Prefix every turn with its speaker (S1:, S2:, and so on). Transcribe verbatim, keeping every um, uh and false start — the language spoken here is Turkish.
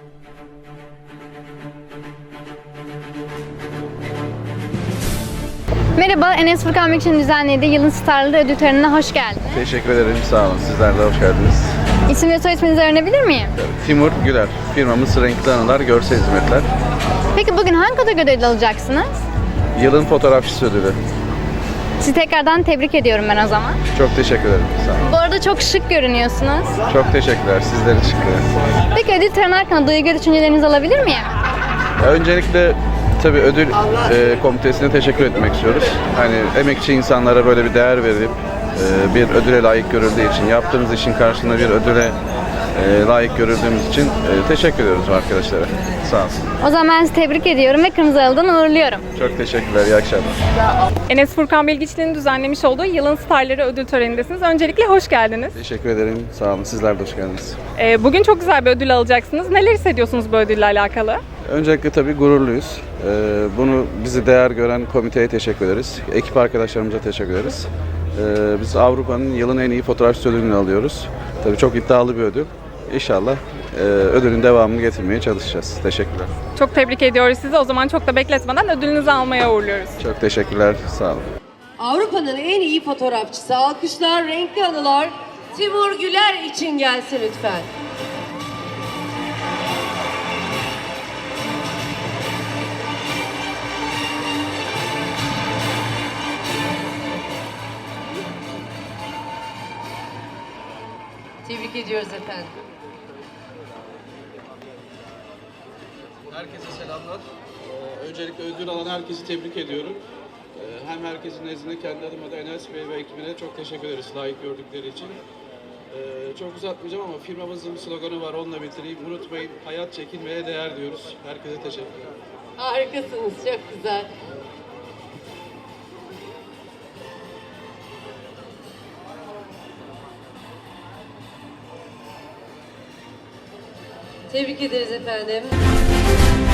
S1: Merhaba, Enes Furkan Büyükçin'in düzenlediği Yılın Starları ödül törenine hoş geldiniz.
S2: Teşekkür ederim, sağ olun. Sizler de hoş geldiniz.
S1: İsim ve soy isminizi öğrenebilir miyim?
S2: Timur Güler, firmamız Renkli Anılar Görsel Hizmetler.
S1: Peki bugün hangi kategoride ödül alacaksınız?
S2: Yılın fotoğrafçısı ödülü.
S1: Sizi tekrardan tebrik ediyorum ben o zaman.
S2: Çok teşekkür ederim, sağ olun.
S1: Bu arada çok şık görünüyorsunuz.
S2: Çok teşekkürler, sizlere teşekkür ederim.
S1: Peki ödül töreni hakkında duygu ve düşüncelerinizi alabilir miyim?
S2: Ya öncelikle tabii ödül e, komitesine teşekkür etmek istiyoruz. Hani emekçi insanlara böyle bir değer verip e, bir ödüle layık görüldüğü için, yaptığımız işin karşılığında bir ödüle e, layık görüldüğümüz için e, teşekkür ediyoruz arkadaşlara. Sağ olsun.
S1: O zaman ben sizi tebrik ediyorum ve Kırmızı Halı'dan uğurluyorum.
S2: Çok teşekkürler, iyi akşamlar.
S3: Enes Furkan Bilgiçli'nin düzenlemiş olduğu Yılın Starları ödül törenindesiniz. Öncelikle hoş geldiniz.
S2: Teşekkür ederim, sağ olun. Sizler de hoş geldiniz.
S3: Ee, bugün çok güzel bir ödül alacaksınız. Neler hissediyorsunuz bu ödülle alakalı?
S2: Öncelikle tabii gururluyuz. Ee, bunu bizi değer gören komiteye teşekkür ederiz. Ekip arkadaşlarımıza teşekkür ederiz. Ee, biz Avrupa'nın yılın en iyi fotoğrafçısı ödülünü alıyoruz. Tabii çok iddialı bir ödül. İnşallah e, ödülün devamını getirmeye çalışacağız. Teşekkürler.
S3: Çok tebrik ediyoruz sizi. O zaman çok da bekletmeden ödülünüzü almaya uğurluyoruz.
S2: Çok teşekkürler, sağ olun.
S4: Avrupa'nın en iyi fotoğrafçısı, alkışlar, renkli anılar Timur Güler için gelsin lütfen. Tebrik ediyoruz efendim.
S2: Herkese selamlar. Ee, öncelikle ödül alan herkesi tebrik ediyorum. Ee, hem herkesin nezdinde kendi adıma da Enes Bey ve ekibine çok teşekkür ederiz layık gördükleri için. Ee, çok uzatmayacağım ama firmamızın bir sloganı var, onunla bitireyim. Unutmayın, hayat çekinmeye değer diyoruz. Herkese teşekkür ederim.
S4: Harikasınız, çok güzel. Tebrik ederiz efendim.